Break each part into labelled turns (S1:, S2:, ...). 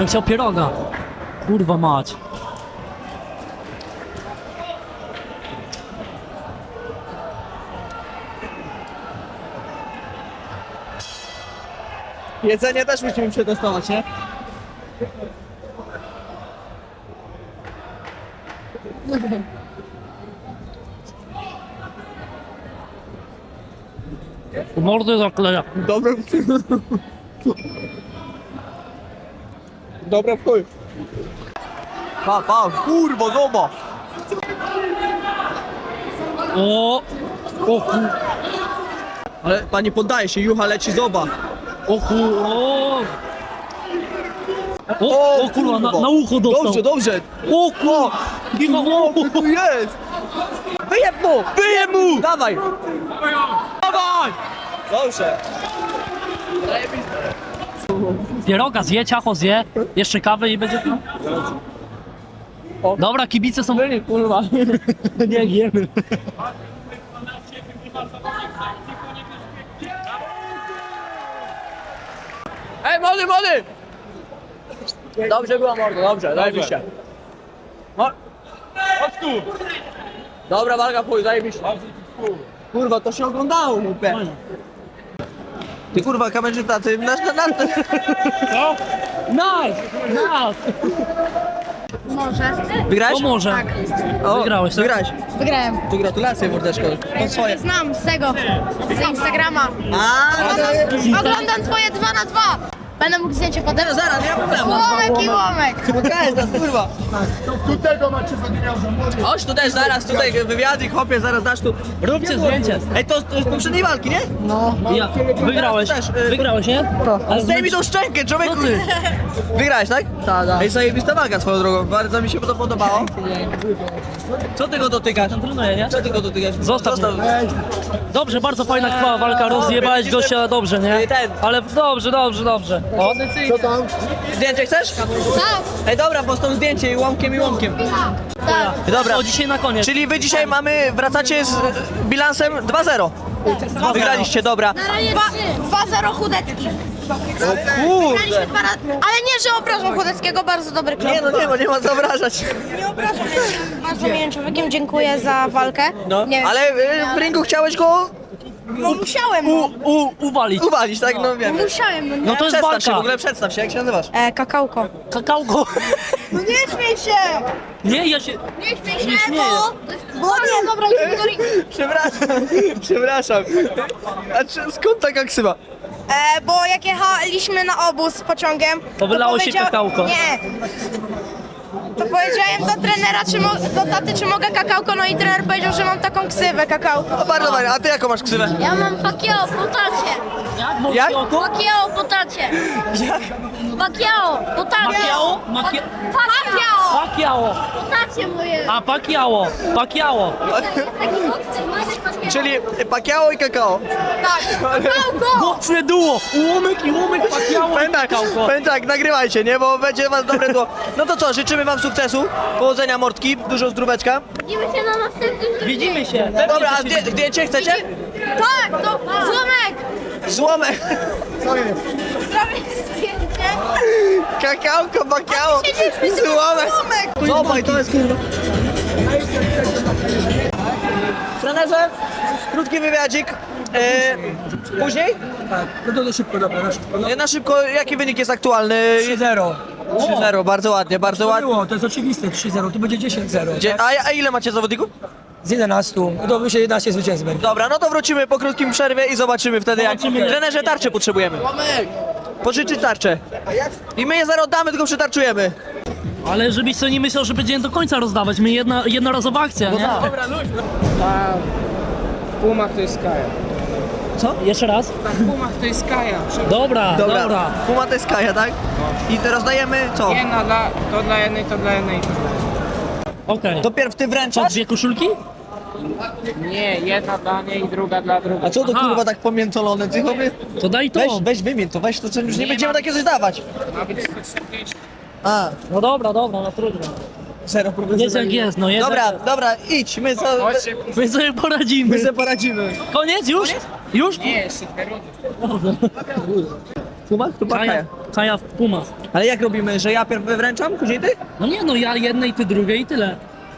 S1: chciał pieroga. Kurwa mać.
S2: Jedzenie też musimy przetestować, nie?
S1: Mordy zakleja.
S2: Dobre. Dobre w chuj. Pa, kurwa, zobacz.
S1: O kur...
S2: Ale pani poddaje się, jucha leci, zobacz.
S1: O kur... O kurwa, na ucho dostał.
S2: Dobrze.
S1: O kurwa.
S2: O, tu jest. Wyjeb mu! Dawaj. Dobrze.
S1: Pieroga zje, ciacho zje, jeszcze kawę i będzie... Dobra, kibice są...
S2: Kurwa.
S1: Nie wiemy.
S2: Ej, młody! Dobrze była, mordo, dobrze, zajebiście. Chodź tu! Dobra walka, chuj, zajebiście. Kurwa, to się oglądało, mówię. Ty kurwa, kamerzysta, ty nasz.
S1: Co? Nice!
S3: Może.
S2: Wygrałeś?
S1: To może.
S3: Tak.
S2: O,
S1: Wygrałeś, tak?
S2: Wygrałeś.
S3: Wygrałem.
S2: Tu gratulacje, mordeczko. To swoje.
S3: Znam z tego, z Instagrama. Oglądam twoje 2 na 2. Będę mógł zdjęcie potem.
S2: Zaraz, nie ma problemu.
S3: Łomek i łomek.
S2: Pokaż nas, kurwa.
S4: Tu tego macie zagraniaża, młody.
S2: Chodź tu też, zaraz tutaj wywiady, chłopie, zaraz dasz tu.
S1: Róbcie zdjęcie.
S2: Ej, to z poprzedniej walki, nie?
S1: Ja. Wygrałeś.
S2: Też,
S1: Wygrałeś, nie? Ale
S2: Zdejmij tą szczękę, człowieku.
S1: Co ty?
S2: Wygrałeś, tak? Tak. Ej, zajebista walka swoją drogą, bardzo mi się to podobało. Co ty go dotykasz?
S1: trenuję, nie?
S2: Co ty go dotykasz?
S1: Zostaw mnie. Dobrze, bardzo fajna krwawa walka, rozjebałeś gościa dobrze, nie?
S2: Ten.
S1: Ale dobrze. O,
S4: Co tam?
S2: Zdjęcie chcesz?
S3: Tak,
S2: Ej, dobra, bo z tą zdjęcie i łomkiem.
S3: tak.
S2: Dobra,
S1: o dzisiaj na koniec.
S2: czyli wy dzisiaj wracacie z bilansem 2-0. Wygraliście, dobra.
S3: Na razie 2-0 Chudecki.
S2: Kurde.
S3: Graliśmy 2 razy. Ale nie, że obrażam Chudeckiego, bardzo dobry klub.
S2: Nie ma co obrażać.
S3: Nie obrażam, jestem bardzo miłym człowiekiem, dziękuję za walkę.
S2: No,
S3: Nie wiem,
S2: ale w ringu chciałeś go
S3: no musiałem,
S1: Uwalić.
S2: uwalić, tak? No wiem.
S3: musiałem.
S1: No to jest
S2: Przedstaw się, w
S1: walka.
S2: ogóle przedstaw się, jak się nazywasz?
S3: Kakałko.
S1: Kakałko.
S3: No nie śmiej się!
S1: Nie, ja się...
S3: Nie śmiej
S1: Nie
S3: się,
S1: śmieję.
S3: bo nie, dobra, idziemy do ringu.
S2: Przepraszam. A skąd taka ksywa?
S3: Bo jak jechaliśmy na obóz pociągiem,
S1: To wylało się kakałko.
S3: Nie. To powiedziałem do trenera, do taty, czy mogę kakałko, no i trener powiedział, że mam taką ksywę kakałko.
S2: No bardzo fajnie, a ty jaką masz ksywę?
S5: Ja mam Pacquiao po tacie.
S2: Jak?
S5: Pacquiao po tacie.
S2: Jak?
S5: Pacquiao po tacie.
S1: Pacquiao?
S5: Pacquiao
S1: Pacquiao.
S5: po tacie moje.
S1: A Pacquiao.
S5: Taki boxer, mamy
S2: Czyli Pacquiao i kakao.
S3: Tak, kakałko!
S1: Mocne duo. Ułomek Pacquiao i kakałko.
S2: Powiem tak, nagrywajcie, nie? Bo będzie was dobre to. No to co, życzymy wam sukcesu, powodzenia mordki, dużo zdróweczka.
S5: Widzimy się na następnym
S1: Widzimy się.
S2: Dobra, a zdjęcie chcecie?
S3: Tak, to złomek!
S2: Złomek.
S3: Zrobię zdjęcie.
S2: Kakałko, Pacquiao, złomek. Zobacz, to jest kurwa. Trenerze, krótki wywiadzik. Później?
S4: Tak, no to szybko, dobra, na szybko. No.
S2: Na szybko, jaki wynik jest aktualny?
S4: 3-0.
S2: 3-0, bardzo ładnie, bardzo
S4: To
S2: ładnie.
S4: było, to jest oczywiste, 3-0, tu będzie 10-0. Tak?
S2: A ile macie zawodników?
S4: Z 11, no to myślę 11 zwycięstw będzie.
S2: Dobra, no to wrócimy po krótkim przerwie i zobaczymy wtedy jak. Trenerze, tarczę potrzebujemy. Pożyczyć tarczę. I my je zaraz oddamy, tylko przetarczujemy.
S1: Ale żebyś sobie nie myślał, że będziemy do końca rozdawać. My jednorazowa akcja, nie?
S6: W Pumach to jest Kaja.
S1: Jeszcze raz?
S6: W Pumach to jest Kaja.
S1: Dobra.
S2: Puma to jest Kaja, tak? I teraz dajemy co?
S6: Jedna to dla jednej, to dla jednej.
S1: Okej.
S2: Dopiero ty
S1: Co,
S2: wręczasz?
S1: 2 koszulki?
S6: Nie, jedna dla niej i druga dla
S2: A
S6: drugiej.
S2: co to
S1: Aha.
S2: kurwa tak pomiętolone? Ty chłopie?
S1: To daj to.
S2: Weź wymień to, weź to, co już nie będziemy takie coś dawać.
S6: Ma być 140.
S2: A,
S1: No dobra, no trudno.
S2: zero problemu.
S1: Jest jak jest, no jest
S2: Dobra,
S1: jak jest.
S2: dobra, idź, my
S6: Chodźcie.
S1: My sobie poradzimy.
S2: sobie poradzimy.
S1: Koniec już? Już?
S6: Nie, jeszcze 2 rundy.
S2: Pumach? To była Kaja.
S1: Kaja w Pumach.
S2: Ale jak robimy, że ja pierw wręczam, później ty?
S1: No nie no, ja jednej, ty drugiej i tyle.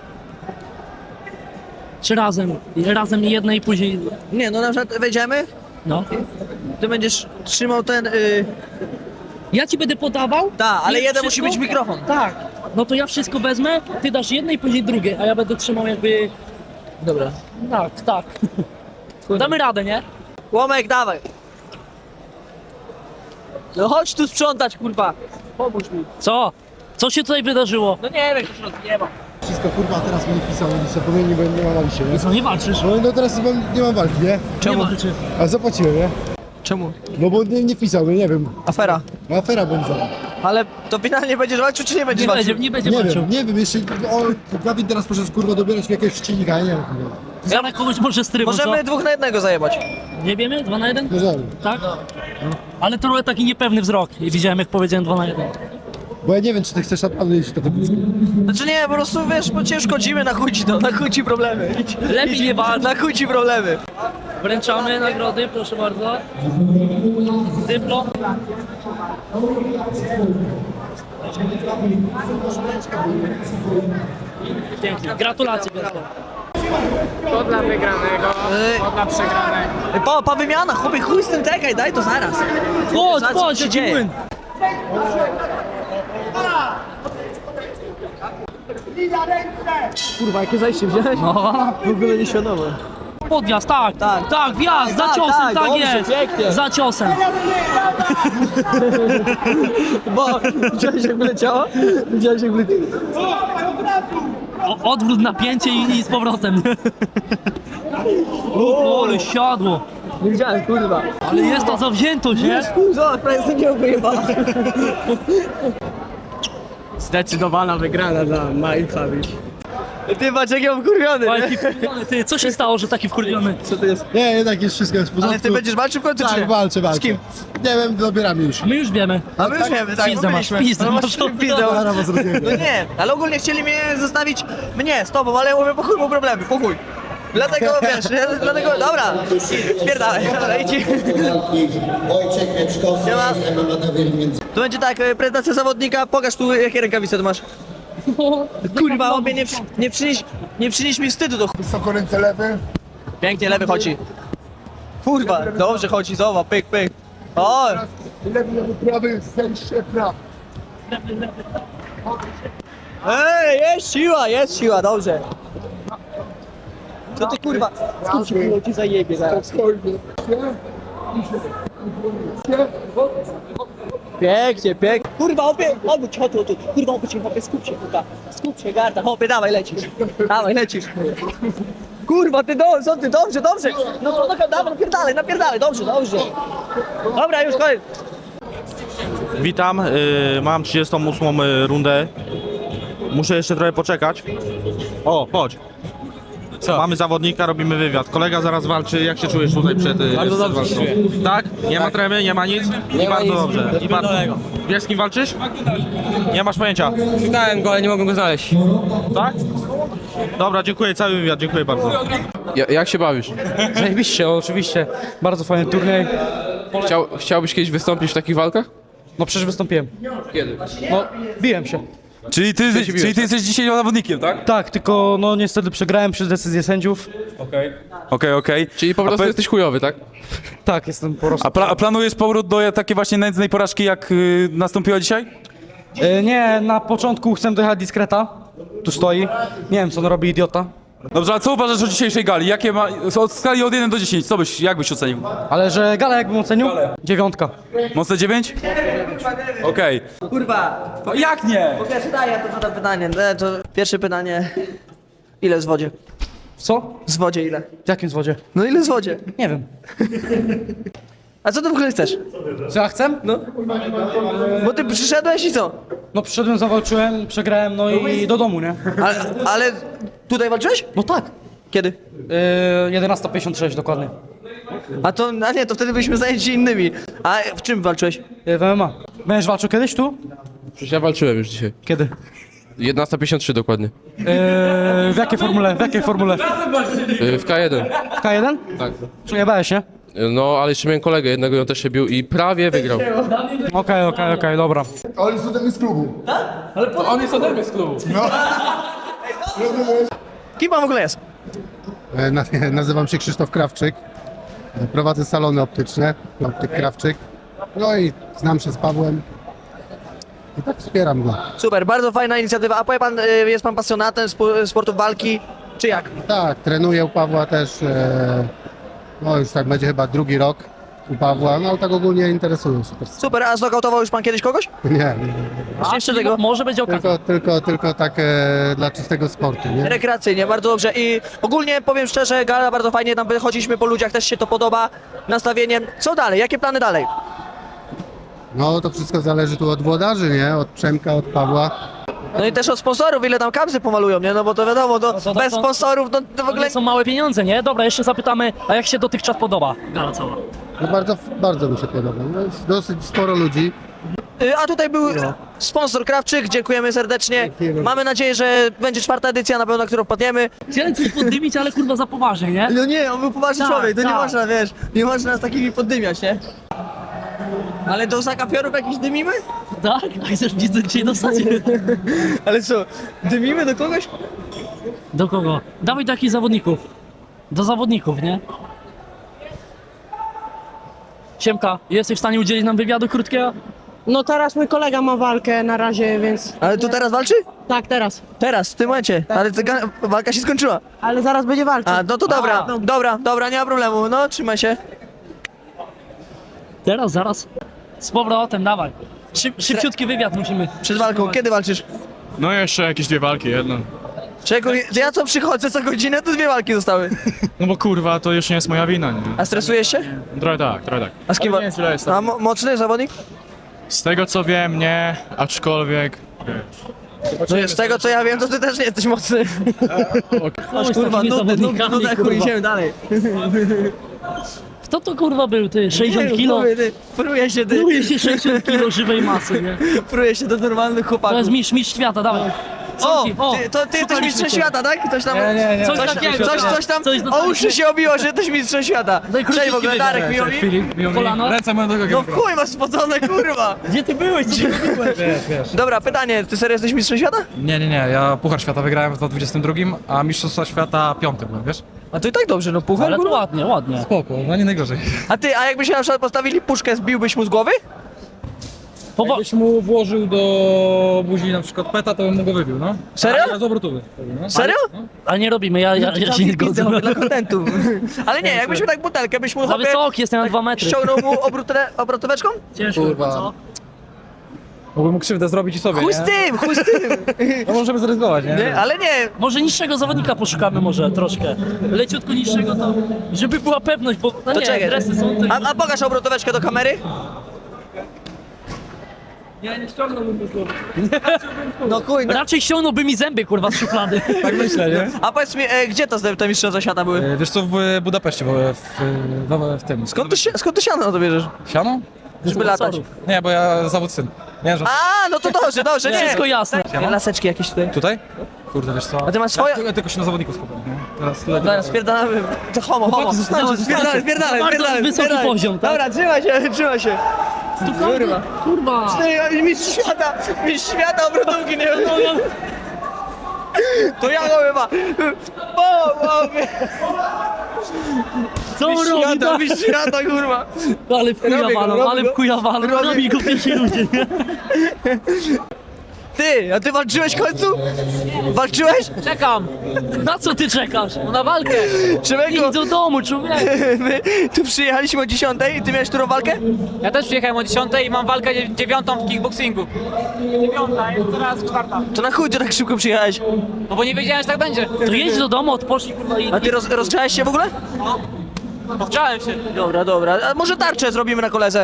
S1: Czy razem? Razem jednej i później...
S2: Nie, no na przykład wejdziemy,
S1: No.
S2: ty będziesz trzymał ten...
S1: Ja ci będę podawał.
S2: Tak, ale
S1: nie,
S2: jeden musi mieć mikrofon.
S1: Tak. No to ja wszystko wezmę, ty dasz jednej, później drugie, a ja będę trzymał jakby...
S2: Dobra.
S1: Tak, tak. Damy radę, nie?
S2: Łomek, dawaj. No chodź tu sprzątać, kurwa. Pomóż mi.
S1: Co? Co się tutaj wydarzyło?
S2: No nie wiem, co nie ma.
S7: Wszystko kurwa, a teraz mi nie wpisał, nic bo mnie nie ma walki się, nie?
S1: I co, nie walczysz?
S7: No teraz nie mam walki, nie?
S1: Nie walczy.
S7: A zapłaciłem, nie?
S2: Czemu?
S7: No bo nie wpisał, nie wiem.
S2: Afera.
S7: No afera będzie.
S2: Ale to finalnie będziesz walczył, czy nie będziesz walczył?
S1: Nie będzie
S7: Nie
S1: walczył.
S7: wiem, nie wiem, jeszcze Gawin teraz poszedł kurwa dobierać mi jakiegoś przeciwnika, ja nie wiem.
S1: Zaraz kogoś może z trybu,
S2: Możemy
S1: co?
S2: 2 na 1 zajebać.
S1: Nie wiemy? 2 na 1?
S7: Możemy.
S1: Tak? Ale trochę taki niepewny wzrok. I widziałem, jak powiedziałem 2 na 1.
S7: Bo ja nie wiem, czy ty chcesz naprawdę iść do tego.
S2: Znaczy nie, po prostu wiesz, bo cię szkodzimy, na chuj ci to, na chuj ci problemy. Idź.
S1: Lepiej nie walcz.
S2: Na chuj ci problemy.
S1: Wręczamy nagrody, proszę bardzo. Dyplom. Pięknie. Gratulacje, Gratulacje.
S6: To dla wygranego, to dla przegranego.
S2: Pa wymiana, chłopie, chuj z tym, czekaj, daj to zaraz.
S1: Chodź,
S2: Zaraz, co
S1: chodź,
S2: się
S1: jaki
S2: dzieje?
S1: młyn.
S2: Kurwa, jakie zajście wziąłeś?
S1: No.
S2: W ogóle nieświadome.
S1: Podjazd, tak,
S2: Tak.
S1: tak, wjazd, za
S2: Tak,
S1: ciosem,
S2: tak,
S1: tak,
S2: dobrze,
S1: jest.
S2: pięknie.
S1: Za ciosem.
S2: Bo, widziałeś jak wyleciało? Widziałeś jak wyleciało?
S1: Odwrót napięcie i z powrotem. O, ale siadło.
S2: Nie widziałem, kurwa.
S1: Ale jest to zawziętość, nie?
S2: Zobacz, prawie sobie nie wyjebała.
S6: Zdecydowana wygrana dla Mindfabi.
S2: Ty patrz jak ja wkurwiony,
S1: O,
S2: nie?
S1: jaki wkurwiony, ty, co się stało, że taki wkurwiony?
S2: Co to jest?
S7: Nie, jednak jest wszystko w porządku.
S2: Ale ty będziesz walczył w końcu, czy nie?
S7: Tak, walczę.
S2: Z kim?
S7: Nie wiem, dobieramy już.
S1: A my już wiemy.
S2: A my już wiemy, tak,
S1: Pizdę masz,
S2: mówiliśmy.
S1: pizdę
S2: No
S1: masz.
S2: masz pizdę.
S7: Zaraz was rozumiem.
S2: No nie, ale ogólnie chcieli mnie zostawić, mnie z tobą, ale ja mówię, po chuj, mam problemy, po chuj. Dlatego, wiesz, ja, dlatego, dobra, spierdalaj, dobra, idź.
S8: Wojciech Mieczkowski,
S2: Siema.
S8: MMA między
S2: To będzie tak, prezentacja zawodnika, pokaż tu jakie rękawice tu masz. Kurwa, obie nie przynieś mi wstydu do chuj.
S7: Wysoko ręce lewy.
S2: Pięknie, lewy chodzi. Kurwa, dobrze chodzi, zobacz, pyk, pyk. O,
S7: Lewy, prawy, zejście, prawy.
S2: jest siła, dobrze. Co ty kurwa, skąd się kurwa ci zajebie zaraz.
S7: Spokojnie.
S2: Pięknie, pięknie. Kurwa, obudź, chodź tu. Kurwa, obudź się, chłopie, skup się, kurwa. Skup się, garda, chłopie, dawaj, lecisz. Dawaj, lecisz. Kurwa, ty dobrze. No, dawaj, napierdalaj, dobrze. Dobra, już koniec.
S9: Witam, mam 38 rundę. Muszę jeszcze trochę poczekać. O, chodź. Co? Mamy zawodnika, robimy wywiad. Kolega zaraz walczy. Jak się czujesz tutaj przed walką? Tak? Nie ma tremy, nie ma nic? I bardzo dobrze. I bardzo. Wiesz z kim walczysz? Nie masz pojęcia.
S10: Szukałem go, ale nie mogłem go znaleźć.
S9: Tak? Dobra, dziękuję, cały wywiad, dziękuję bardzo.
S10: Jak się bawisz?
S11: Zajebiście, oczywiście. Bardzo fajny turniej.
S10: Chciałbyś kiedyś wystąpić w takich walkach?
S11: No przecież wystąpiłem.
S10: Kiedy?
S11: No, biłem się.
S10: Czyli ty jesteś dzisiaj zawodnikiem, tak?
S11: Tak, tylko no niestety przegrałem przez decyzję sędziów.
S10: Okej. Czyli po prostu jesteś chujowy, tak?
S11: Tak, jestem po prostu.
S10: A planujesz powrót do takiej właśnie nędznej porażki, jak nastąpiła dzisiaj?
S11: Nie, na początku chcę dojechać diskreta. Tu stoi. Nie wiem, co on robi, idiota.
S10: Dobrze, a co uważasz o dzisiejszej gali? Jakie ma... Od skali od 1 do 10, jak byś ocenił?
S11: Ale że galę jakbym ocenił? 9.
S10: Mocne 9? Okej.
S2: Kurwa,
S10: Jak nie?
S2: po pierwsze daj, ja to zadam pytanie. To pierwsze pytanie. Ile z wodzie?
S11: Co?
S2: Z wodzie ile?
S11: W jakim zwodzie?
S2: No ile z wodzie?
S11: Nie wiem.
S2: A co ty w ogóle chcesz?
S11: Co ja chcę?
S2: No. Bo ty przyszedłeś i co?
S11: No przyszedłem, zawalczyłem, przegrałem, no i do domu, nie?
S2: Ale tutaj walczyłeś?
S11: No tak.
S2: Kiedy?
S11: 11:56 dokładnie.
S2: A nie, to wtedy byliśmy zajęci innymi. A w czym walczyłeś?
S11: W MMA. Będziesz walczył kiedyś tu?
S10: Przecież ja walczyłem już dzisiaj.
S11: Kiedy?
S10: 11:53 dokładnie.
S11: W jakiej formule? W jakiej formule?
S10: W K1.
S11: W K1?
S10: Tak.
S11: Przejebałeś, nie?
S12: No, ale jeszcze miałem kolegę jednego i on też się bił i prawie wygrał.
S11: Okej, dobra.
S7: On jest ode mnie z klubu.
S10: On jest ode mnie z klubu.
S2: Kim pan w ogóle jest?
S7: Nazywam się Krzysztof Krawczyk. Prowadzę salony optyczne, optyk Krawczyk. No i znam się z Pawłem. I tak wspieram go.
S2: Super, bardzo fajna inicjatywa. A powie pan, jest pan pasjonatem sportu walki, czy jak?
S7: Tak, trenuję u Pawła też. No już tak będzie chyba drugi rok u Pawła, no ale tak ogólnie interesuję się też.
S2: Super, a znokautował już pan kiedyś kogoś?
S7: Nie,
S2: Jeszcze tego?
S1: Może będzie okazja.
S7: tylko tak dla czystego sportu, nie?
S2: Rekreacyjnie, bardzo dobrze. I ogólnie powiem szczerze, gala bardzo fajnie, tam chodziliśmy po ludziach, też się to podoba. Nastawienie. Co dalej? Jakie plany dalej?
S7: No to wszystko zależy tu od włodarzy, nie? Od Przemka, od Pawła.
S2: No i też od sponsorów, ile tam kapsy pomalują, nie? No bo to wiadomo,
S1: to
S2: bez
S1: są-
S2: sponsorów to w
S1: To
S2: ogóle...
S1: nie są małe pieniądze, nie? Dobra, jeszcze zapytamy, a jak się dotychczas podoba gala cała?
S7: No bardzo mi się podoba. No jest dosyć sporo ludzi.
S2: A tutaj był sponsor Krawczyk, dziękujemy serdecznie.
S7: Dziękujemy.
S2: Mamy nadzieję, że będzie 4. edycja, na pewno, na którą wpadniemy.
S1: Chciałem coś poddymić, ale kurwa za poważnie, nie?
S2: No nie, on był poważny
S1: Tak,
S2: człowiek, to nie
S1: tak.
S2: można, wiesz, nie można z takimi poddymiać, nie? Ale do zakapiorów jakiś dymimy?
S1: Tak? A chcesz mnie dzisiaj dostać?
S2: Ale co, dymimy do kogoś?
S1: Do kogo? Dawaj do jakich zawodników. Do zawodników, nie? Siemka, jesteś w stanie udzielić nam wywiadu krótkiego?
S6: No teraz mój kolega ma walkę na razie, więc...
S2: Ale tu teraz walczy?
S6: Tak, teraz.
S2: Teraz, w tym momencie, ale walka się skończyła.
S6: Ale zaraz będzie walczył.
S2: A, no to dobra, nie ma problemu, no trzymaj się.
S1: Teraz, zaraz. Z powrotem, dawaj. Szybciutki wywiad musimy.
S2: Przed walką, kiedy walczysz?
S10: No jeszcze jakieś 2 walki, jedno.
S2: Czego, ja co przychodzę co godzinę, to 2 walki zostały.
S10: No bo kurwa, to już nie jest moja wina, nie?
S2: A stresujesz się?
S10: Trochę tak.
S2: A z kim?
S10: Ale nie, źle jest.
S2: A mocny zawodnik?
S10: Z tego co wiem, nie, aczkolwiek...
S2: No z tego co ja wiem, to ty też nie jesteś mocny.
S1: Chodź z
S2: Kurwa,
S1: takimi
S2: nudny,
S1: zawodnikami,
S2: chuj,
S1: kurwa.
S2: idziemy dalej.
S1: Kto to kurwa był, ty? 60 kilo?
S2: Pruje się,
S1: Pluje się 60 kilo żywej masy, nie?
S2: Pruje się do normalnych
S1: To
S2: chłopaków.
S1: jest mistrz świata, dawaj.
S2: O,
S1: O,
S2: ty jesteś
S1: szukaliśmy
S2: mistrzem
S1: cię.
S2: świata, tak? Ktoś tam...
S11: Nie.
S1: Coś
S2: Coś,
S1: takiego,
S2: coś tam
S1: coś
S2: o
S1: dostaliśmy.
S2: uszy się obiło, że jesteś mistrzem świata.
S1: Daj króciutki
S2: Cześć w ogóle,
S1: wywiad.
S2: Darek, miło mi?
S11: Filip, miło mi.
S1: Kolano?
S11: Ręce moją drogą.
S2: No w chuj masz spocone, kurwa.
S1: Gdzie ty byłeś? Co ty robiłeś?
S11: Wiesz.
S2: Dobra, pytanie, ty serio jesteś mistrzem świata?
S11: Nie, ja Puchar Świata wygrałem w 2022, a Mistrzostwa Świata 5 byłem, wiesz?
S2: A to i tak dobrze, no puchar,
S1: Ale to
S2: kurwa.
S1: ładnie.
S11: Spoko, no nie najgorzej.
S2: A jakby się na przykład postawili puszkę, zbiłbyś mu z głowy?
S11: Jakbyś mu włożył do buzi na przykład peta, to bym mu go wybił, no.
S2: Serio?
S11: Ale z obrotowy. No.
S2: Serio?
S1: Ale nie robimy, ja się nie zgodzę.
S2: Dla kontentu. Ale nie, jakbyśmy tak butelkę, byś mu
S1: Za
S2: chłopie
S1: wysoki jestem na 2 metry.
S2: ściągnął mu obrotóweczką?
S1: Ciężko,
S7: Kurwa.
S1: co?
S11: Mógłbym mu krzywdę zrobić i sobie,
S2: Chuj
S11: nie?
S2: z tym!
S11: No możemy zaryzykować, nie?
S2: Nie, ale nie,
S1: Może niższego zawodnika poszukamy może troszkę. Leciutko niższego to, żeby była pewność, bo no
S2: to
S1: nie,
S2: czekaj.
S1: dresy są te...
S2: A pokaż obrotóweczkę do kamery.
S1: Nie ściągnąłbym go z głowy.
S2: No chuj, no.
S1: Raczej ściągnąłby mi zęby, kurwa, z szuflady.
S11: Tak myślę, nie?
S2: A powiedz mi, gdzie te mistrzostwa świata były?
S11: Wiesz co, w Budapeszcie, w tym.
S2: Skąd ty siano na to bierzesz?
S11: Siano?
S2: Żeby latać.
S11: Nie, bo ja zawód syn. Nie, że...
S2: A, no to dobrze, nie.
S1: Wszystko jasne.
S2: Laseczki jakieś tutaj.
S11: Tutaj? Kurde, wiesz co?
S2: A ty masz swoje?
S11: Ja tylko się na zawodników skupiam, nie? Teraz tutaj...
S2: Zaraz, spierdalamy. To homo. Spierdalaj.
S1: Bardzo wysoki poziom, tak?
S2: Dobra, trzymaj się.
S1: Tu kurwa.
S2: Ty, mistrz świata obrotówki, nie wiem. To ja go chyba.
S1: Co on robi? Tak?
S2: Mistrz świata, kurwa.
S1: Ale w chuja
S2: Robię go,
S1: walą,
S2: robię
S1: ale
S2: go.
S1: w chuja walą.
S2: Robię
S1: Robi go pierwsi ludzie, nie?
S2: Ty, a ty walczyłeś w końcu? Walczyłeś?
S1: Czekam. Na co ty czekasz? No na walkę.
S2: Człowieku,
S1: Idź do domu, człowieku.
S2: my tu przyjechaliśmy o 10, ty miałeś którą walkę?
S6: Ja też przyjechałem o 10 i mam walkę 9 w kickboxingu. 9, jest teraz 4.
S2: To na chuj ty tak szybko przyjechałeś.
S6: No bo nie wiedziałem, że tak będzie.
S1: To jedź do domu, odpocznij, kurwa i...
S2: A ty rozgrzałeś się w ogóle?
S6: Powczałem się.
S2: Dobra. A może tarczę zrobimy na koledze?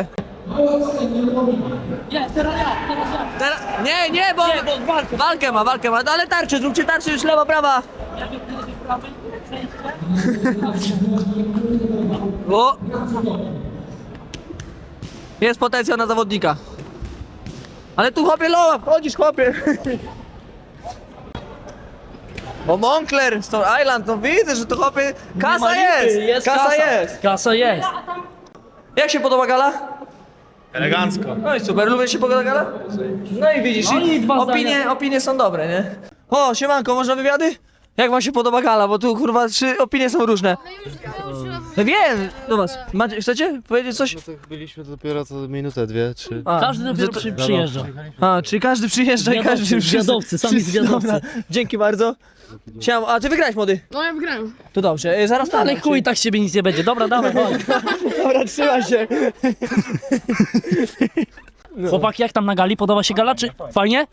S1: Nie, teraz ja.
S2: Nie, bo walkę ma. No ale tarczę, zróbcie tarczę już lewa, prawa. O! Jest potencjał na zawodnika. Ale tu chłopie loła, wchodzisz chłopie. O, Moncler, Stone Island, no widzę, że to chłopie... Kasa jest! Kasa jest!
S1: Kasa jest.
S2: Jak się podoba gala?
S9: Elegancko.
S2: No i super, lubię się pogoda gala? No i widzisz,
S1: No i dwa
S2: opinie są dobre, nie? O, siemanko, można wywiady? Jak wam się podoba gala, bo tu kurwa 3 opinie są różne. No wiem, do was. Chcecie powiedzieć coś?
S13: Byliśmy dopiero co minutę, 2, 3.
S1: Każdy dopiero przyjeżdża.
S2: A, czyli każdy przyjeżdża i każdy...
S1: Zwiadowcy, sami zwiadowcy.
S2: Dobra, dzięki bardzo. Siema, a ty wygrałeś, młody?
S5: No ja wygrałem.
S2: To dobrze, zaraz
S1: Ale chuj, tak z ciebie nic nie będzie. Dobra, dawaj, chodź.
S2: Dobra, trzymaj się.
S1: Chłopaki, jak tam na gali? Podoba się gala, czy fajnie?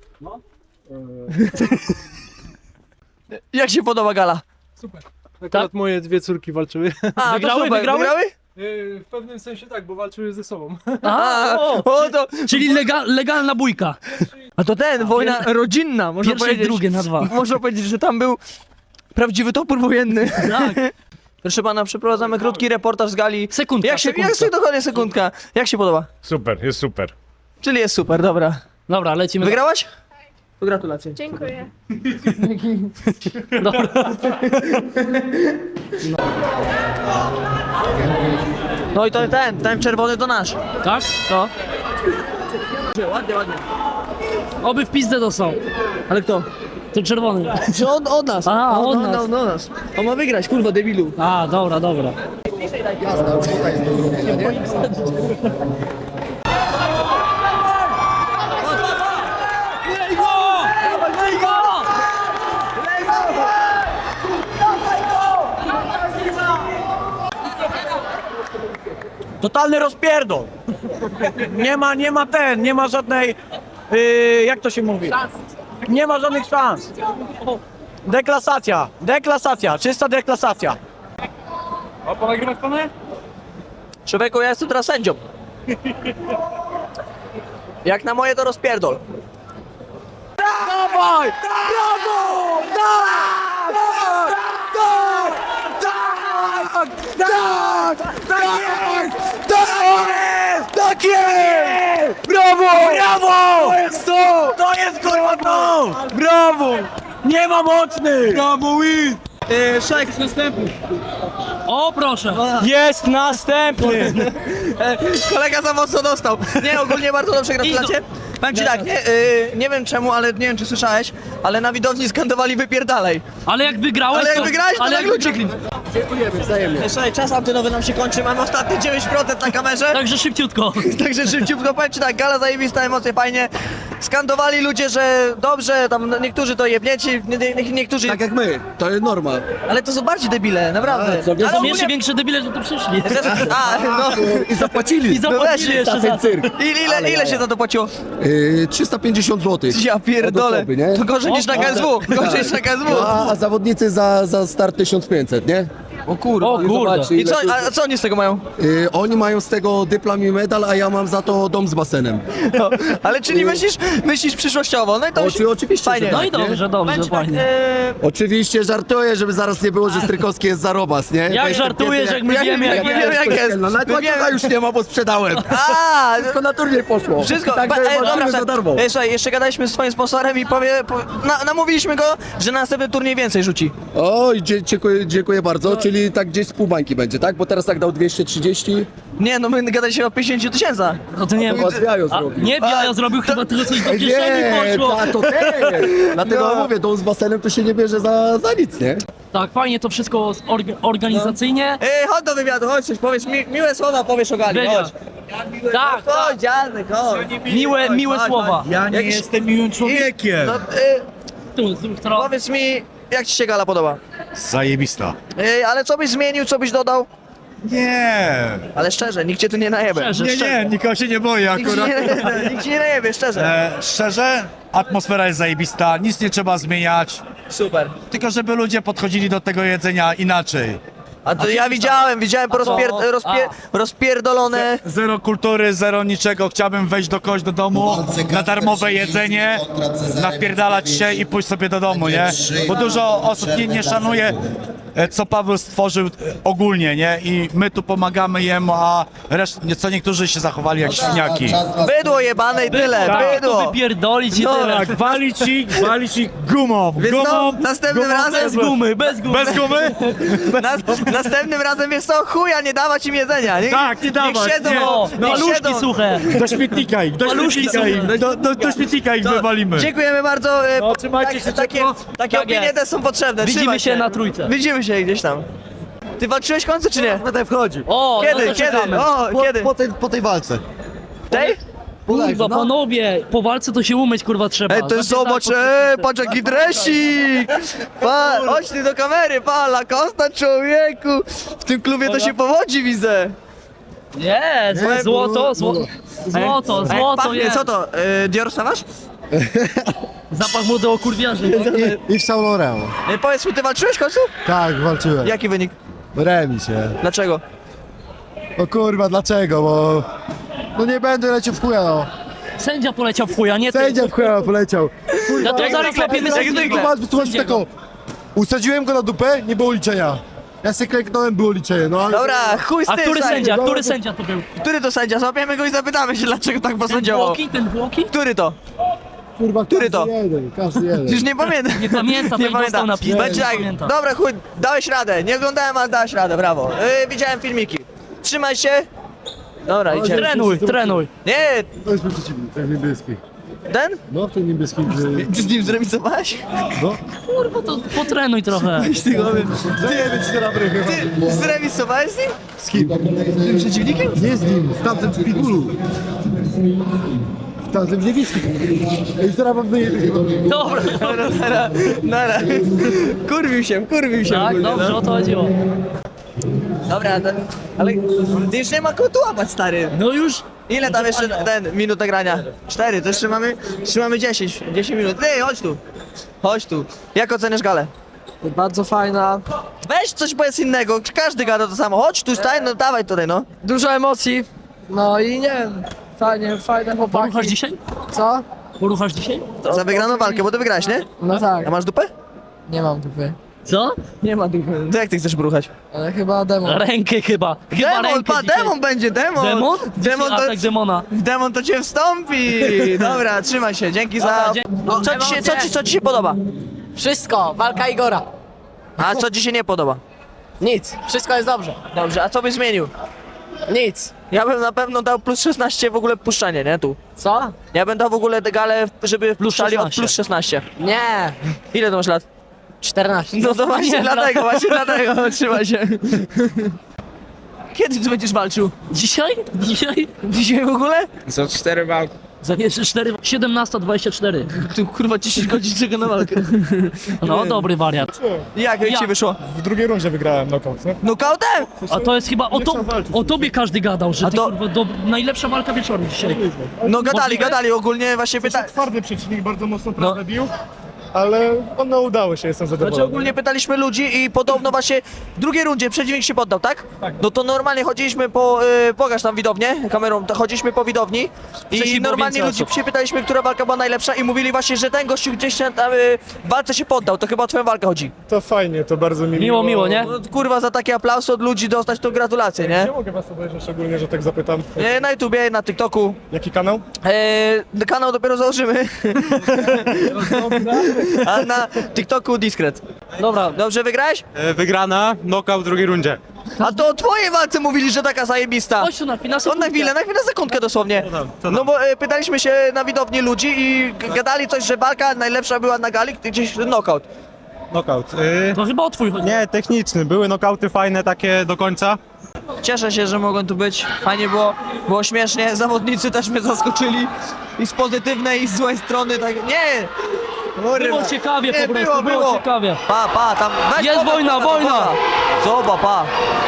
S2: Jak się podoba gala?
S13: Akurat moje 2 córki walczyły.
S2: A, to
S1: Wygrały,
S2: super,
S1: wygrały?
S13: W pewnym sensie tak, bo walczyły ze sobą.
S2: A,
S1: o,
S2: to...
S1: Czyli legalna bójka.
S2: A to wojna rodzinna, można
S1: Pierwsze i
S2: powiedzieć.
S1: drugie na 2.
S2: Można powiedzieć, że tam był prawdziwy topór wojenny.
S1: Tak.
S2: Proszę pana, przeprowadzamy krótki reportaż z gali.
S1: Sekundka,
S2: Jak
S1: sekundka.
S2: dokładnie sekundka. Jak się podoba?
S13: Super, jest super.
S2: Czyli jest super, dobra.
S1: Dobra, lecimy.
S2: Wygrałaś? To gratulacje.
S5: Dziękuję.
S1: Dobra.
S2: No i to ten czerwony to nasz.
S1: Tak?
S2: No. Ładnie, ładnie.
S1: Oby w pizdę to są.
S2: Ale kto?
S1: Ten czerwony.
S2: Czy od nas.
S1: A, od nas.
S2: Od nas. On ma wygrać, kurwa, debilu.
S1: A, dobra, dobra. Lej go! Lej go!
S11: Totalny rozpierdol. Nie ma żadnej, jak to się mówi? Nie ma żadnych szans. Deklasacja, czysta deklasacja.
S10: A ponagrywać panie?
S2: Człowieku, ja jestem teraz sędzią. Jak na moje to rozpierdol. Dawaj! Brawo! Tak! Tak! Tak! Tak jest! Brawo! Brawo! To jest to! To jest kurwa to! Brawo! Nie ma mocnych! Brawo, win! Szajk następny.
S1: O, proszę.
S11: Jest następny!
S2: Kolega za mocno dostał. Nie, ogólnie bardzo dobrze gratulacje. Powiem ci tak, nie wiem czemu, ale nie wiem czy słyszałeś, ale na widowni skandowali wypierdalaj.
S1: Ale jak wygrałeś,
S2: Ale jak wygrałeś, to jak ludzie.
S7: Dziękujemy, wzajemnie.
S2: Słuchaj, czas antynowy nam się kończy, mamy ostatnie 9% na kamerze.
S1: Także szybciutko.
S2: Także szybciutko powiem ci tak, gala zajebista, emocje fajnie. Skandowali ludzie, że dobrze, tam niektórzy to jebnieci, niektórzy...
S7: Tak jak my, to jest normal.
S2: Ale to są bardziej debile, naprawdę.
S1: To
S2: Ale
S1: są
S2: ogólnie-
S1: jeszcze większe debile, że tu przyszli.
S2: A, no.
S7: I zapłacili.
S1: I zapłacili jeszcze za to.
S2: Ile się za to płaciło?
S7: 350 zł.
S2: Ja pierdolę.
S7: Od osoby, nie?
S2: To gorzej niż na KSW. Gorzej niż na KSW.
S7: A zawodnicy za start 1500, nie?
S2: O kurde.
S1: O kurde.
S7: Zobaczcie,
S2: I
S7: ile
S2: co,
S7: to-
S2: a co oni z tego mają?
S7: Oni mają z tego dyplom i medal, a ja mam za to dom z basenem.
S2: No, ale czyli myślisz przyszłościowo, no i to
S7: Oczywiście,
S2: fajnie.
S7: że
S1: No
S7: tak,
S1: i dobrze, dobrze,
S2: Powiem ci tak,
S1: fajnie.
S7: Oczywiście żartuję, żeby zaraz nie było, że Strykowski jest zarobas, nie? Bo
S1: Jak
S7: jestem
S1: żartujesz,
S7: biedny
S1: jak my wiemy, jak
S2: my
S1: jest.
S2: wiemy, jak jest.
S7: No nawet
S2: My wiemy.
S7: łańcucha już nie ma, bo sprzedałem.
S2: A,
S7: Wszystko na turniej poszło.
S2: wszystko.
S7: Także walczymy za darmo.
S2: Słuchaj, jeszcze gadaliśmy z swoim sponsorem i namówiliśmy go, że na następny turniej więcej rzuci.
S7: Oj, dziękuję bardzo, czyli tak gdzieś z pół bańki będzie, tak? Bo teraz tak dał 230.
S2: Nie, no my gadaliśmy o 50 000.
S1: No to nie wiem.
S7: Chyba z jajo
S1: A,
S7: zrobił.
S1: nie, ja zrobił chyba tylko coś do kieszeni poszło.
S7: to też. Dlatego mówię, dom z basenem to się nie bierze za nic, nie?
S1: Tak, fajnie to wszystko organizacyjnie.
S2: Chodź do wywiadu, chodź coś powiedz, miłe słowa powiesz o gali,
S1: Wywiad.
S2: chodź.
S1: Tak,
S2: Chodź, dziadek, chodź.
S1: miłe słowa.
S2: Ja nie jestem miłym człowiekiem. No,
S1: Tu, zrób trochę.
S2: powiedz mi, jak ci się gala podoba?
S13: Zajebista.
S2: Ale co byś zmienił, co byś dodał?
S13: Nie.
S2: Ale szczerze, nikt cię tu nie najebie.
S1: Szczerze.
S13: Nikogo się nie boję
S2: Nikt ci nie najebie, szczerze.
S13: Szczerze, atmosfera jest zajebista, nic nie trzeba zmieniać,
S2: Super.
S13: tylko żeby ludzie podchodzili do tego jedzenia inaczej.
S2: A to ja widziałem rozpierdolone.
S13: Zero kultury, zero niczego. Chciałbym wejść do kogoś do domu, na darmowe jedzenie, napierdalać się i pójść sobie do domu, nie? Bo dużo osób nie szanuje, co Paweł stworzył ogólnie, nie? I my tu pomagamy jemu, a co niektórzy się zachowali jak świniaki.
S2: Bydło jebane i tyle,
S1: Tak, to
S2: bydło.
S1: wypierdolić i tyle.
S13: Walić ich gumą.
S2: Więc no, następnym razem...
S1: Bez gumy, bez gumy.
S13: Bez gumy?
S2: Następnym razem jest to chuja, nie dawać im jedzenia.
S13: Tak, nie dawać,
S2: Niech siedzą,
S13: nie.
S2: niech
S1: Paluszki
S2: siedzą.
S1: suche.
S13: Do śmietnika ich, do śmietnika ich wywalimy.
S2: Dziękujemy bardzo.
S13: trzymajcie się ciepło.
S2: Takie
S1: Tak
S2: opinie
S1: jest.
S2: też są potrzebne.
S1: Widzimy
S2: Trzymaj
S1: się na trójce.
S2: Widzimy się gdzieś tam. Ty walczyłeś w końcu czy nie?
S13: Będę wchodził.
S1: O, no
S2: Kiedy?
S1: to
S2: Kiedy?
S1: czekamy.
S2: O, kiedy?
S7: Po tej walce.
S2: Tej?
S1: Kurwa, panowie, po walce to się umyć, kurwa, trzeba.
S2: Ej, to
S1: Znaczy,
S2: zobacz,
S1: tak,
S2: patrz jaki dresik! Chodź ty do kamery, Lacosta, człowieku! W tym klubie to się powodzi, widzę!
S1: Nie, złoto, złoto
S2: Pachnie,
S1: jest.
S2: co to? Dior Savage?
S1: Zapach młodego kurwiarzy.
S7: I w Saint Laurent.
S2: Powiedz mi, ty walczyłeś w końcu?
S7: Tak, walczyłem.
S2: Jaki wynik?
S7: Remis, nie?
S2: Dlaczego?
S7: O kurwa, dlaczego? Bo... No nie będę leciał w chuja, no.
S1: Sędzia poleciał w chuja, nie ty.
S7: Sędzia w chuja poleciał.
S1: Ja to zaraz łapiemy sędziego.
S7: Wytłumaczcie taką. Usadziłem go na dupę, nie było liczenia. Ja se kleknąłem, było liczenie, no ale...
S2: Dobra, chuj z
S1: A
S2: tym,
S1: który
S2: stary.
S1: sędzia? Który sędzia to był?
S2: Który to sędzia? Złapiemy go i zapytamy się, dlaczego tak posądziował.
S1: Ten Włoki?
S2: Który to?
S7: Kurwa,
S2: Który to?
S7: Każdy jeden.
S2: Już nie pamiętam.
S1: Nie pamiętam,
S2: Nie
S1: nie pamiętam na piłkę.
S2: Będzie tak, dobra chuj, dałeś radę. Nie oglądałem, ale dałeś radę, brawo. Widziałem filmiki. Trzymaj się. Dobra, idziemy.
S1: Trenuj.
S2: Nie,
S7: To jest mój przeciwnik, ten niebieski.
S2: ten?
S7: No, ten niebieski.
S2: Ty z nim zremisowałeś?
S7: No.
S1: Kurwa, to potrenuj trochę.
S2: Ty go
S7: Ty, 4 chyba.
S2: Ty zremisowałeś z nim?
S7: Z kim?
S2: Tym przeciwnikiem?
S7: Nie z nim, z tamtym w Pitbullu. W tamtym niebieskim. Ej, zaraz mam wyjechać.
S1: Dobra,
S2: Nara. Kurwił się
S1: tak,
S2: ogólnie,
S1: dobrze,
S2: no.
S1: o to chodziło.
S2: Dobra, ale ty już nie ma kogo tu łapać, stary.
S1: No już.
S2: Ile tam jeszcze minut nagrania? 4, to jeszcze mamy 10 minut. Ty, chodź tu. Jak oceniasz galę?
S4: Bardzo fajna.
S2: Weź coś powiedz innego, każdy gada to samo. Chodź tu, stań, no dawaj tutaj, no.
S4: Dużo emocji. No i nie wiem, fajne chłopaki.
S1: Poruchasz dzisiaj?
S4: Co?
S1: Poruchasz dzisiaj?
S2: Za wygraną walkę, bo ty wygrałeś, nie?
S4: No tak,
S2: A masz dupę?
S4: nie mam dupy.
S1: Co?
S2: Nie ma dupy. To jak ty chcesz bruchać?
S4: Ale chyba demon.
S1: Rękę chyba.
S2: Demon, demon będzie, demon!
S1: Demon?
S2: Demon to,
S1: Atak demona.
S2: demon to cię wstąpi! Dobra, trzymaj się, dzięki za...
S1: Dobra,
S2: Co ci się podoba?
S4: Wszystko, walka Igora.
S2: A co ci się nie podoba?
S4: Nic, wszystko jest dobrze.
S2: Dobrze, a co byś zmienił?
S4: Nic.
S2: Ja bym na pewno dał plus 16 w ogóle puszczanie, nie? Tu.
S4: Co?
S2: Ja bym dał w ogóle galę, żeby puszczali od
S1: 16.
S2: plus 16.
S4: Nie.
S2: Ile to masz lat?
S4: 14.
S2: No to właśnie dlatego, trzymaj się. Kiedy ty będziesz walczył?
S1: Dzisiaj?
S2: Dzisiaj w ogóle?
S12: Za 4 walki.
S1: Zabierzesz 17:24.
S2: Tu kurwa 10 godzin czeka na walkę.
S1: No, dobry wariat.
S2: Jak ci wyszło?
S13: W drugiej rundzie wygrałem knockout, nie?
S2: Nokautem?
S1: A to jest chyba o tobie każdy gadał, że ty
S2: to-
S1: kurwa najlepsza walka wieczoru dzisiaj.
S2: No
S1: Możliwe?
S2: gadali ogólnie właśnie pytali.
S13: Twardy przeciwnik, bardzo mocno prawdę bił, ale no udało się, jestem zadowolony.
S2: Znaczy ogólnie pytaliśmy ludzi i podobno właśnie w drugiej rundzie przeciwnik się poddał, tak?
S13: Tak.
S2: No to normalnie chodziliśmy po, pokaż tam widownię kamerą, to chodziliśmy po widowni
S1: Wcześniej
S2: i
S1: było
S2: normalnie
S1: więcej
S2: ludzi
S1: osób.
S2: się pytaliśmy, która walka była najlepsza i mówili właśnie, że ten gościu gdzieś tam w walce się poddał, to chyba o twoją walkę chodzi.
S13: To fajnie, to bardzo mi
S1: Miło, nie?
S2: No, kurwa, za takie aplausy od ludzi dostać to gratulacje, nie?
S13: Nie mogę was obejrzeć, szczególnie, że tak zapytam.
S2: Na YouTubie, na TikToku.
S13: Jaki kanał?
S2: Kanał dopiero założymy. A na TikToku Discret.
S1: Dobra,
S2: Dobrze wygrałeś?
S13: Wygrana, knockout w drugiej rundzie.
S2: A to o twojej walce mówili, że taka zajebista.
S1: chodź tu na chwilę,
S2: On na chwilę, sekundkę dosłownie. No bo pytaliśmy się na widowni ludzi i gadali coś, że walka najlepsza była na gali, gdzieś knockout.
S13: Knockout.
S1: To chyba o twój chodzi.
S13: Nie, techniczny. Były knockouty fajne takie do końca.
S2: Cieszę się, że mogłem tu być. Fajnie było śmiesznie. Zawodnicy też mnie zaskoczyli. I z pozytywnej, i z złej strony, tak. Nie!
S1: Było ciekawie
S2: Nie,
S1: po prostu, było ciekawie.
S2: Pa, tam. Weź
S1: Jest wojna.
S2: Zobacz, pa.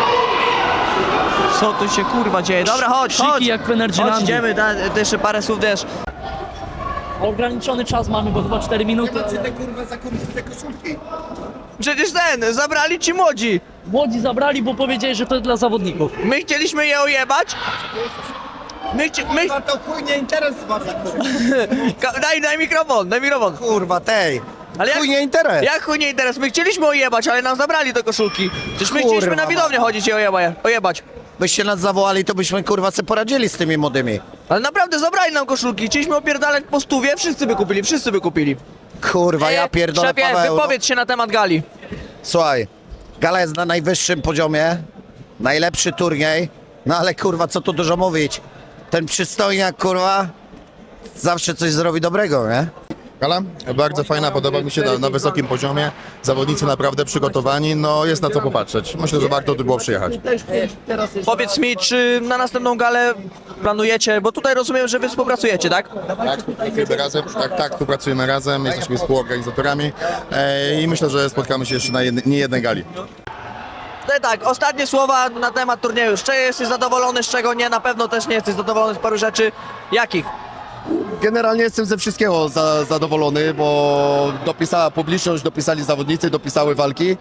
S2: Co tu się kurwa dzieje? Dobra, chodź.
S1: Krzyki jak w Energylandii.
S2: Chodź, idziemy, jeszcze parę słów też.
S1: Ograniczony czas mamy, bo chyba 4 minuty.
S8: te kurwa zakulisne koszulki.
S2: Przecież zabrali ci młodzi.
S1: Młodzi zabrali, bo powiedzieli, że to jest dla zawodników.
S2: My chcieliśmy je ojebać.
S8: Kurwa, to chuj nie interes was.
S2: Daj mikrofon, daj mikrofon.
S8: Kurwa, tej.
S2: Ale
S8: Chuj nie interes.
S2: Jak chuj nie interes? My chcieliśmy ojebać, ale nam zabrali te koszulki. Przecież my chcieliśmy na widownię chodzić i ojebać.
S8: Byście nas zawołali, to byśmy kurwa se poradzili z tymi młodymi.
S2: Ale naprawdę zabrali nam koszulki. Chcieliśmy opierdalać po stówie, wszyscy by kupili.
S8: Kurwa, ja pierdolę,
S2: Szefie,
S8: Paweł.
S2: wypowiedz się na temat gali.
S8: Słuchaj, gala jest na najwyższym poziomie, najlepszy turniej, no ale kurwa, co tu dużo mówić. Ten przystojniak, kurwa, zawsze coś zrobi dobrego, nie?
S7: Gala? Bardzo fajna, podoba mi się na wysokim poziomie. Zawodnicy naprawdę przygotowani, no jest na co popatrzeć. Myślę, że warto tu było przyjechać.
S2: Powiedz mi, czy na następną galę planujecie, bo tutaj rozumiem, że wy współpracujecie, tak?
S7: Tak, współpracujemy razem, tak, współpracujemy razem, jesteśmy współorganizatorami i myślę, że spotkamy się jeszcze na niejednej gali.
S2: No i tak, ostatnie słowa na temat turnieju. Z czego jesteś zadowolony, z czego nie? Na pewno też nie jesteś zadowolony z paru rzeczy. Jakich?
S14: Generalnie jestem ze wszystkiego zadowolony, bo dopisała publiczność, dopisali zawodnicy, dopisały walki.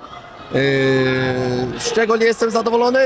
S14: Z czego nie jestem zadowolony?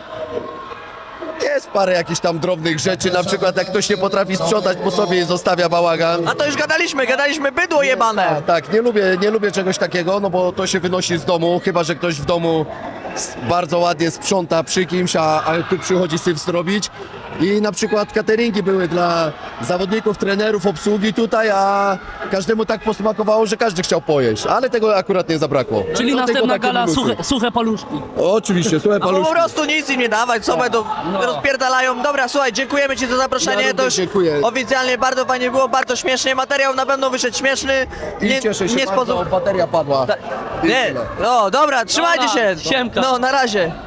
S14: Jest parę jakichś tam drobnych rzeczy, na przykład jak ktoś nie potrafi sprzątać po sobie i zostawia bałagan.
S2: A to już gadaliśmy bydło jebane.
S14: Tak, nie lubię czegoś takiego, no bo to się wynosi z domu, chyba że ktoś w domu bardzo ładnie sprząta przy kimś, a tu przychodzi syf zrobić. I na przykład cateringi były dla zawodników, trenerów, obsługi tutaj, a każdemu tak posmakowało, że każdy chciał pojeść, ale tego akurat nie zabrakło.
S1: Czyli
S14: No,
S1: następna
S14: takie
S1: gala
S14: minusy.
S1: suche paluszki.
S14: Oczywiście, suche
S2: No po
S14: paluszki.
S2: prostu nic im nie dawać, co będą rozpierdalają. Dobra, słuchaj, dziękujemy ci za zaproszenie.
S14: Ja
S2: To już
S14: dziękuję.
S2: oficjalnie bardzo fajnie było, bardzo śmiesznie. Materiał na pewno wyszedł śmieszny.
S14: I cieszę się bardzo, bateria padła.
S2: Nie, no dobra, trzymajcie się.
S1: Siemka.
S2: No, na razie.